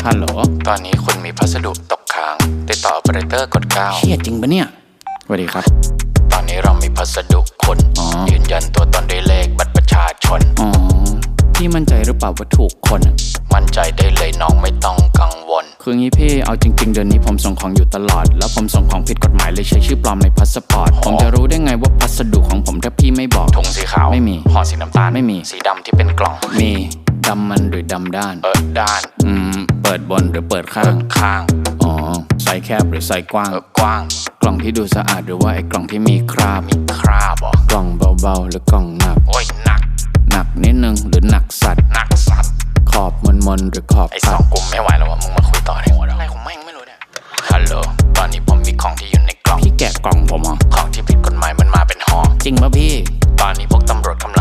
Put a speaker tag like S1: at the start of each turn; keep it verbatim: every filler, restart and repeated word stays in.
S1: ฮัลโหล
S2: ตอนนี้คุณมีพัสดุตกค้างติดต่อ Operator กดเก้า
S1: เชี่ยจริงปะเนี่ยสวัสดีครับ
S2: ตอนนี้เรามีพัสดุคุณยืนยันตัวตนด้วยเลขบัตรประชาชน
S1: อ๋อพี่มั่นใจหรือเปล่าว่าถูกคน
S2: มั่นใจได้เลยน้องไม่ต้องกังวล
S1: คืองี้พี่เอาจริงๆเดือนนี้ผมส่งของอยู่ตลอดแล้วผมส่งของผิดกฎหมายเลยใช้ชื่อปลอมในพาสปอร์ตผมจะรู้ได้ไงว่าพัสดุของผมถ้าพี่ไม่บอก
S2: ถุงสีขาว
S1: ไม่มี
S2: ห่อสีน้ำตาล
S1: ไม่มี
S2: สีดำที่เป็นกล่อง
S1: มีดำมันหรือดำด้าน
S2: เปิดด้าน
S1: อืมเปิดบนหรือเปิดข้า
S2: เปิ
S1: ง
S2: ดข้าง
S1: อ๋อไซส์แคบหรือไซส์กว้าง
S2: เปิดกว้าง
S1: กล่องที่ดูสะอาดหรือว่าไอ้กล่องที่มีคราบ
S2: มีคราบเหรอก
S1: ล่องเบาๆหรือกล่องหนัก
S2: โอ้ยหนัก
S1: หนักนิดนึงหรือหนักสัตว์
S2: หนักสัตว์
S1: ขอบมนๆหรือขอบ
S2: ไอ้สองกลุ่มไม่ไหวแล้วว่ะมึงมาคุยต่อในหัวอะไรของแม่งไม่รู้เนี่ยฮัลโหลตอนนี้ผมมีของที่อยู่ในกล่อง
S1: พี่แกะกล่องผมเหรอ
S2: ของที่ผิดกฎหมายมันมาเป็นห่อ
S1: จริงป่ะพี่
S2: ตอนนี้พวกตำรวจกำ